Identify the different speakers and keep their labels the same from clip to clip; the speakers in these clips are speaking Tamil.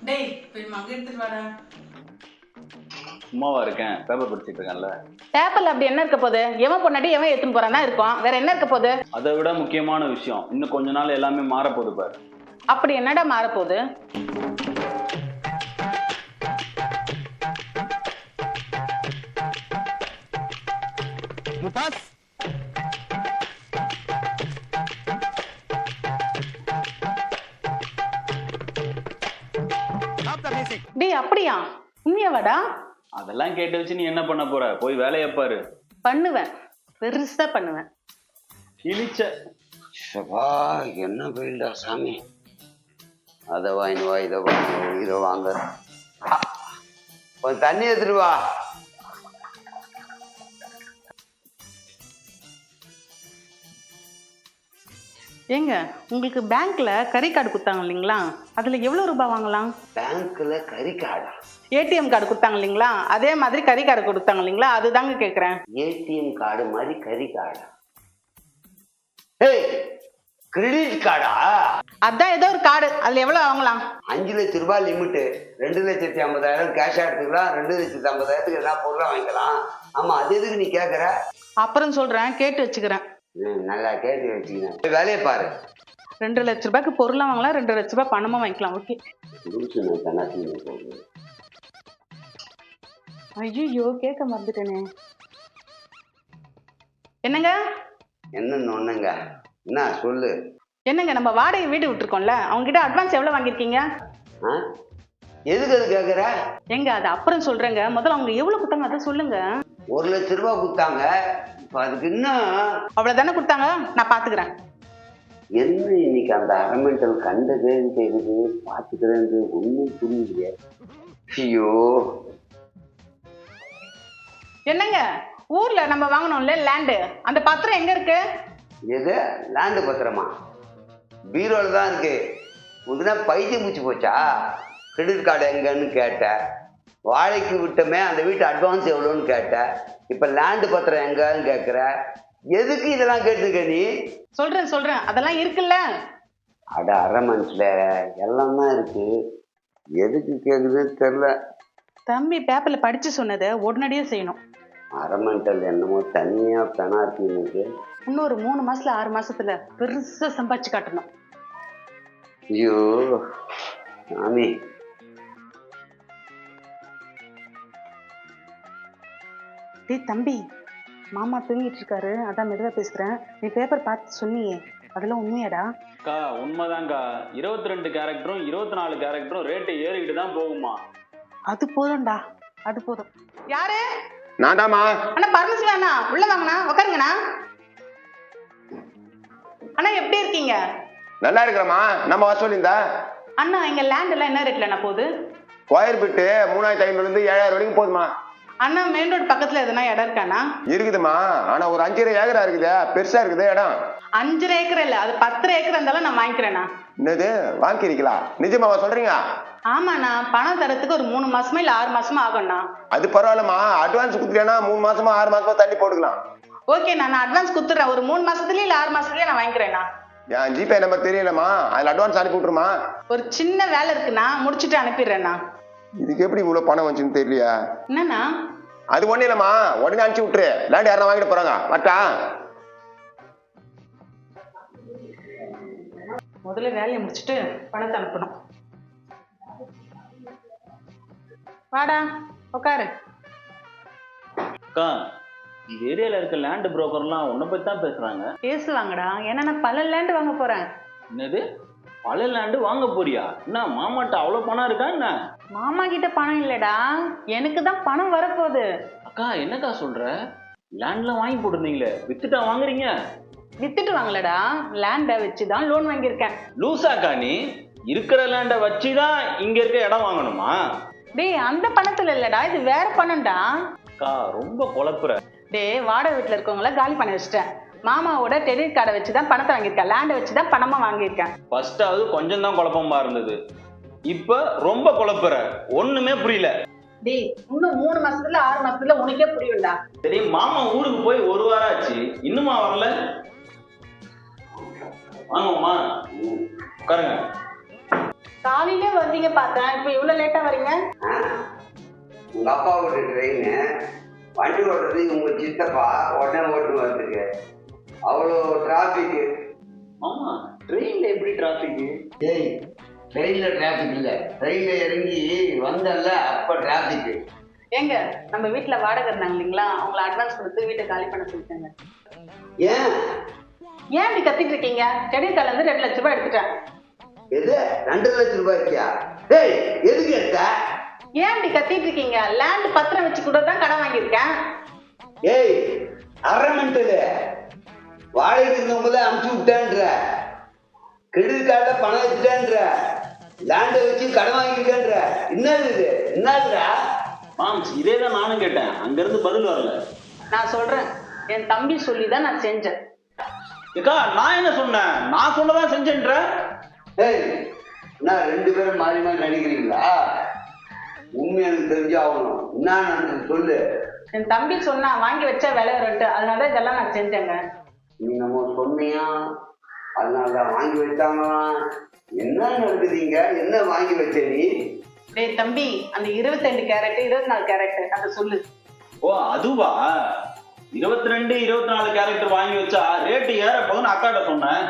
Speaker 1: டேய் போய் மக எடுத்துட்டு வாடா.
Speaker 2: சும்மாவா இருக்கேன், பேப்பர் படிச்சுட்டு இருக்கேன்ல.
Speaker 3: பேப்பர்ல அப்படி என்ன இருக்க போகுது? எவன் பொண்ணாடி எவன் எடுத்துன்னு போறானா இருக்கும், வேற என்ன இருக்க போகுது?
Speaker 2: அதை விட முக்கியமான விஷயம், இன்னும் கொஞ்ச நாள் எல்லாமே மாறப்போகுது பாரு.
Speaker 3: அப்படி என்னடா மாறப்போகுது? டேய் அப்படியா? உண்மையாவாடா?
Speaker 2: அதெல்லாம் கேட்டு வச்சு நீ என்ன பண்ண போற? போய் வேலையை பாரு.
Speaker 3: பண்ணுவேன், பெருசா பண்ணுவேன்.
Speaker 2: கிழிச்ச
Speaker 4: சபா என்ன போயிடா சாமி. அதை வாங்கினு வா, இதை வாங்க, இதை வாங்க. கொஞ்சம் தண்ணி எடுத்துட்டு வா.
Speaker 3: ஏங்க, உங்களுக்கு பேங்க்ல கறி கார்டு கொடுத்தாங்க இல்லைங்களா, அதுல எவ்வளவு ரூபாய் வாங்கலாம்?
Speaker 4: பேங்க்ல கறி கார்டா?
Speaker 3: ஏடிஎம் கார்டு கொடுத்தாங்க இல்லைங்களா, அதே மாதிரி கறி கார்டு கொடுத்தாங்க இல்லைங்களா, அதுதாங்க கேக்குறேன்.
Speaker 4: ஏடிஎம் கார்டு மாதிரி கறி கார்டா? ஏய், கிரெடிட் கார்டா?
Speaker 3: அதான் ஏதோ ஒரு கார்டு, அதுல எவ்வளவு வாங்கலாம்?
Speaker 4: 5 லட்சம் ரூபாய் லிமிட்டு. 2,50,000 கேஷா எடுத்துக்கலாம். 2,50,000 என்ன பொருளா வாங்கிக்கலாம். ஆமா, அது எதுக்கு நீ கேக்குற?
Speaker 3: அப்புறம் சொல்றேன், கேட்டு வச்சுக்கிறேன்.
Speaker 4: நல்லா கேட்டு வச்சுக்கிறேன். வேலையை பாரு.
Speaker 3: 2 லட்ச ரூபாய்க்கு பொருளா வாங்கலாம், 2 லட்ச ரூபாய் பணமா வாங்கிக்கலாம். ஓகே. ஐயோ, கேட்க மறந்துட்டேனே. என்னங்க?
Speaker 4: என்னன்னு ஒண்ணுங்க. என்ன சொல்லு.
Speaker 3: என்னங்க, நம்ம வாடகை வீடு விட்டுருக்கோம்ல, அவங்க கிட்ட அட்வான்ஸ் எவ்வளவு வாங்கிருக்கீங்க?
Speaker 4: எதுக்கு அது கேக்குற?
Speaker 3: எங்க அது அப்புறம் சொல்றேங்க, முதல்ல அவங்க எவ்வளவு கொடுத்தாங்க அதை சொல்லுங்க.
Speaker 4: 1 லட்சம் ரூபாய் கொடுத்தாங்க. இப்ப அதுக்கு இன்னும்
Speaker 3: அவ்வளவுதானே கொடுத்தாங்க, நான் பாத்துக்கிறேன்.
Speaker 4: என்ன இன்னைக்கு அந்த அரமெண்டல் கண்ட கேள்வி கேக்குது, பாத்துக்கிறேன், ஒண்ணும் புரியலையே. ஐயோ,
Speaker 3: என்னங்க, ஊர்ல நம்ம வாங்கணும்ல லேண்டு, அந்த பத்திரம் எங்க இருக்கு?
Speaker 4: எது லேண்டு பத்திரமா? பீரோல தான் இருக்கு. உடனே பைத்தியம் மூச்சு போச்சா? கிரெடிட் கார்டு எங்கன்னு கேட்ட, வாழைக்கு விட்டமே அந்த வீட்டு அட்வான்ஸ் எவ்வளோன்னு கேட்ட, இப்ப லேண்டு பத்திரம் எங்கன்னு கேட்குற. எதுக்கு இதெல்லாம் கேட்டுருக்க நீ?
Speaker 3: சொல்றேன், அதெல்லாம் இருக்குல்ல.
Speaker 4: அட அரை மனசுல எல்லாம் தான் இருக்கு. எதுக்கு கேக்குதுன்னு தெரியல.
Speaker 3: தம்பி பேப்பர்ல படிச்சு சொன்னதை உடனடியே செய்யணும்.
Speaker 4: அரமெண்டல் என்னமோ தனியா பெனால்ட்டி இருக்கு.
Speaker 3: இன்னொரு 3 மாசத்துல 6 மாசத்துல பெருசா சம்பாதிச்சு காட்டணும்.
Speaker 4: ஐயோ சாமி.
Speaker 3: டேய் தம்பி, மாமா தூங்கிட்டு இருக்காரு, அதான் மெதுவா பேசுறேன். நீ பேப்பர் பார்த்து சொன்னியே, அதெல்லாம் உண்மையாடா?
Speaker 2: அக்கா உண்மைதான்க்கா. 22 கேரக்டரும் 24 கேரக்டரும் ரேட்டு ஏறிக்கிட்டு தான் போகுமா.
Speaker 3: அது போதும்டா, அது போதும். யாரு?
Speaker 5: நான்தாம்மா.
Speaker 3: அண்ணா பர்மிஷன் அண்ணா, உள்ள வாங்கண்ணா, உட்காருங்கண்ணா. அண்ணா எப்படி இருக்கீங்க?
Speaker 5: நல்லா இருக்கிறமா. நம்ம வர சொல்லியிருந்தா
Speaker 3: அண்ணா, எங்க லேண்ட் எல்லாம் என்ன ரேட்ல போகுது?
Speaker 5: ஸ்கொயர் பிட்டு 3,500 இருந்து 7,000 வரைக்கும் போதுமா.
Speaker 3: அண்ணா மெயின் ரோடு பக்கத்துல எதனா இடம் இருக்காண்ணா?
Speaker 5: இருக்குதுமா, ஆனா ஒரு 5 ஏக்கரா இருக்குது, பெருசா இருக்குது இடம்.
Speaker 3: 5 ஏக்கர் இல்ல, அது 10 ஏக்கர் இருந்தாலும் நான் வாங்கிக்கிறேண்ணா.
Speaker 5: என்னது வாங்கிக்கிறீங்களா? நிஜமாவா சொல்றீங்க?
Speaker 3: ஆமாண்ணா, பணம் தரத்துக்கு ஒரு 3 மாசமா இல்ல 6 மாசமா ஆகும்ண்ணா.
Speaker 5: அது பரவாயில்லமா, அட்வான்ஸ் கொடுத்துட்டேன்னா 3 மாசமா 6 மாசமா தள்ளி போட்டுக்கலாம்.
Speaker 3: ஓகேண்ணா, நான் அட்வான்ஸ் கொடுத்துறேன். ஒரு 3 மாசத்துலயே இல்ல 6 மாசத்துலயே நான் வாங்கிக்கிறேண்ணா.
Speaker 5: என் ஜிபே நம்பர் தெரியலமா, அதுல அட்வான்ஸ் அனுப்பி விட்டுருமா.
Speaker 3: ஒரு சின்ன வேலை இருக்குண்ணா, முடிச்சுட்டு அனுப்பிடுறேண்ணா.
Speaker 5: இதுக்கு எப்படி இவ்வளவு பணம் வந்துச்சுன்னு தெரியலையா?
Speaker 3: என்னண்ணா?
Speaker 5: அது ஒண்ணு இல்லம்மா, உடனே அனுப்பிச்சு விட்டுரு. லேண்ட் யாரும் வாங்கிட்டு போறாங்க. வட்டா
Speaker 3: முதல்ல வேலையை முடிச்சுட்டு பணத்தை அனுப்பணும். வாடா உட்காரு.
Speaker 2: அக்கா, இந்த ஏரியால இருக்க லேண்ட் புரோக்கர்லாம் உன்னை பத்தி தான் பேசுறாங்க.
Speaker 3: பேசுவாங்கடா, ஏன்னா நான் பல லேண்ட் வாங்க போறேன்.
Speaker 2: என்னது, பல லேண்டு வாங்க போறியா? என்ன மாமாட்ட அவ்வளவு பணம் இருக்கா என்ன?
Speaker 3: மாமா கிட்ட பணம் இல்லடா, எனக்கு தான் பணம் வரப்போகுது.
Speaker 2: அக்கா என்னக்கா சொல்ற? லேண்ட்லாம் வாங்கி போட்டுருந்தீங்களே, வித்துட்டா வாங்குறீங்க?
Speaker 3: வித்துட்டு வாங்கலடா, லேண்டை வச்சுதான் லோன் வாங்கியிருக்கேன்.
Speaker 2: லூசாக்கா நீ? இருக்கிற லேண்டை வச்சுதான் இங்க இருக்க இடம் வாங்கணுமா?
Speaker 3: டேய், அந்த பணத்துல இல்லடா, இது வேற பணம்டா.
Speaker 2: அக்கா ரொம்ப குழப்புற.
Speaker 3: டேய், வாடகை வீட்டுல இருக்கவங்கள காலி பண்ண வச்சுட்டேன். மாமாவோட கிரெடிட் கார்டை வச்சுதான் பணத்தை வாங்கியிருக்கேன், லேண்டை வச்சுதான் பணமா வாங்கியிருக்கேன்.
Speaker 2: ஃபர்ஸ்டாவது கொஞ்சம் தான் குழப்பமா இருந்தது, இப்ப ரொம்ப குழப்புற. ஒண்ணுமே புரியல.
Speaker 3: டேய், இன்னும் 3 மாசத்துல 6 மாசத்துல உனக்கே புரியும்டா.
Speaker 2: சரி, மாமா ஊருக்கு போய் 1 வாரம் ஆச்சு, இன்னுமா வரல? வாங்கம்மா உட்காருங்க.
Speaker 3: காலையிலே வந்தீங்க பார்த்தேன், இப்போ இவ்வளோ லேட்டாக வரீங்க?
Speaker 4: உங்க அப்பா ஓட்டு ட்ரெயின் வண்டி ஓட்டுறது உங்க சித்தப்பா உடனே ஓட்டு வரதுக்கு அவ்வளோ டிராபிக்.
Speaker 2: ஆமா, ட்ரெயின்ல எப்படி டிராபிக்?
Speaker 4: ஏய், ட்ரெயின்ல டிராபிக் இல்லை, ட்ரெயின்ல இறங்கி வந்தல்ல அப்ப டிராபிக்.
Speaker 3: ஏங்க, நம்ம வீட்டில் வாடகை இருந்தாங்க இல்லைங்களா, அவங்கள அட்வான்ஸ் கொடுத்து வீட்டை காலி பண்ண சொல்லிட்டாங்க.
Speaker 4: ஏன்
Speaker 3: ஏன் இப்படி கத்திட்டு இருக்கீங்க? கிரெடிட் கார்டுல இருந்து 2 லட்ச ரூபாய் எடுத்துட்டேன்.
Speaker 4: எது 2 லட்சம் ரூபாய் இருக்கியா? ஏய், எதுக்கு எடுத்த?
Speaker 3: ஏன் இப்படி கத்திட்டு இருக்கீங்க? லேண்ட் பத்திரம் வச்சு கூட தான் கடன் வாங்கியிருக்கேன்.
Speaker 4: ஏய், அரமெண்டது வாடகைக்கு இருந்தவங்கள அனுப்பிச்சு விட்டேன்ற, கிரெடிட் கார்டில் பணம் வச்சுட்டேன்ற, லேண்டை வச்சு கடன் வாங்கியிருக்கேன்ற, என்னது இது? என்னதுடா?
Speaker 2: மாம்ஸ், இதே தான் நானும் கேட்டேன், அங்கிருந்து பதில் வரல.
Speaker 3: நான் சொல்றேன், என் தம்பி சொல்லி தான் நான் செஞ்சேன்.
Speaker 2: ஏக்கா, நான் என்ன சொன்னேன்? நான் சொன்னதான் செஞ்சேன்ற.
Speaker 4: ஏய், நான் 2 பேரும் மாறி மாறி நடிக்கிறீங்களா? உண்மை எனக்கு தெரிஞ்சு ஆகணும். என்ன நடந்தது சொல்லு.
Speaker 3: என் தம்பி சொன்னா வாங்கி வச்சா விலை வரும்ட்டு, அதனால இதெல்லாம் நான் செஞ்சேங்க.
Speaker 4: நீ நம்ம சொன்னியா? அதனாலதான் வாங்கி வச்சாங்களா? என்ன நடக்குதுங்க? என்ன வாங்கி வச்ச நீ?
Speaker 3: டேய் தம்பி, அந்த 22 கேரட் 24 கேரட் அதை சொல்லு.
Speaker 2: ஓ, அதுவா? 22, 24 கேரக்டர் வாங்கி வச்சா ரேட்டு ஏற போதுன்னு அக்காட்ட சொன்னேன்.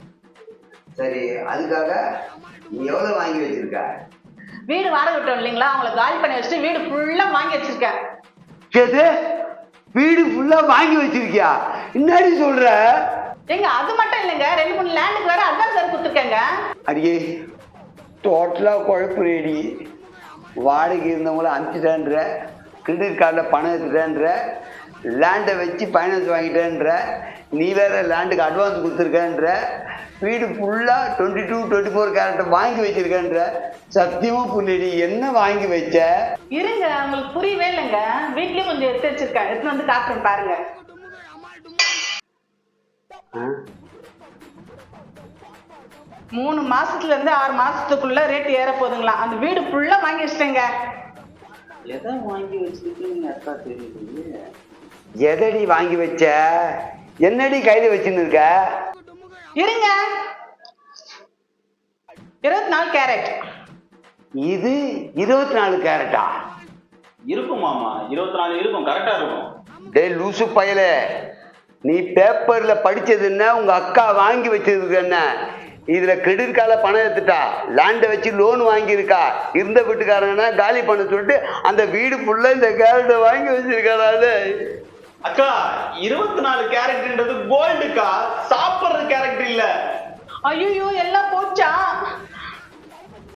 Speaker 4: சரி, அதுக்காக நீ எவ்வளவு வாங்கி வச்சிருக்க?
Speaker 3: வீடு வாடகை விட்டோம் இல்லைங்களா, அவங்கள காலி பண்ணி வச்சுட்டு வீடு ஃபுல்லா வாங்கி வச்சிருக்கேன்.
Speaker 4: கேது, வீடு ஃபுல்லா வாங்கி வச்சிருக்கியா? என்னடி சொல்ற?
Speaker 3: ஏங்க, அது மட்டும் இல்லைங்க, 2-3 லேண்டுக்கு வேற அட்வான்ஸ் வேற கொடுத்துருக்கேங்க.
Speaker 4: அடியே, டோட்டலா குழப்புறேடி. வாடகை இருந்தவங்கள அனுப்பிச்சிட்டேன்ற, கிரெடிட் கார்டில் பணம் எடுத்துட்டேன்ற, லேண்டை வச்சு ஃபைனான்ஸ் வாங்கிட்டேன்ற, நீ வேற லேண்டுக்கு அட்வான்ஸ் கொடுத்துருக்கேன்ற, வீடு ஃபுல்லாக 22, 24 கேரக்டர் வாங்கி வச்சிருக்கேன்ற. சத்தியமா புரியடி, என்ன வாங்கி வச்ச?
Speaker 3: இருங்க, உங்களுக்கு புரியவே இல்லைங்க. வீட்லயும் கொஞ்சம் எடுத்து வச்சிருக்கேன், எடுத்து வந்து காட்டுறேன் பாருங்க. 3 மாசத்துல இருந்து 6 மாசத்துக்குள்ள ரேட் ஏற போதுங்களாம். அந்த வீடு ஃபுல்லா வாங்கி வச்சிட்டேங்க.
Speaker 2: எதை வாங்கி வச்சிருக்கீங்க அக்கா தெரியுது?
Speaker 4: எதடி வாங்கி வச்ச? என்னடி கையில வச்சுன்னு இருக்க?
Speaker 3: இருங்க, 24 கேரட்.
Speaker 4: இது 24 கேரட்டா?
Speaker 2: இருக்கும் மாமா, 24 இருக்கும், கரெக்டா இருக்கும்.
Speaker 4: டே லூசு பயலே, நீ பேப்பர்ல படிச்சது என்ன, உங்க அக்கா வாங்கி வச்சதுக்கு என்ன? இதுல கிரெடிட் கார்டில் பணம் எடுத்துட்டா, லேண்டை வச்சு லோன் வாங்கியிருக்கா, இருந்த வீட்டுக்காரங்கன்னா காலி பண்ண சொல்லிட்டு அந்த வீடு ஃபுல்லா இந்த கேரட்டை வாங்கி வச்சிருக்காரு.
Speaker 2: அக்கா, 24 கேரக்டர்ன்றது கோல்டுக்கா, சாப்பிடுற கேரக்டர் இல்ல.
Speaker 3: ஐயோ, எல்லாம் போச்சா?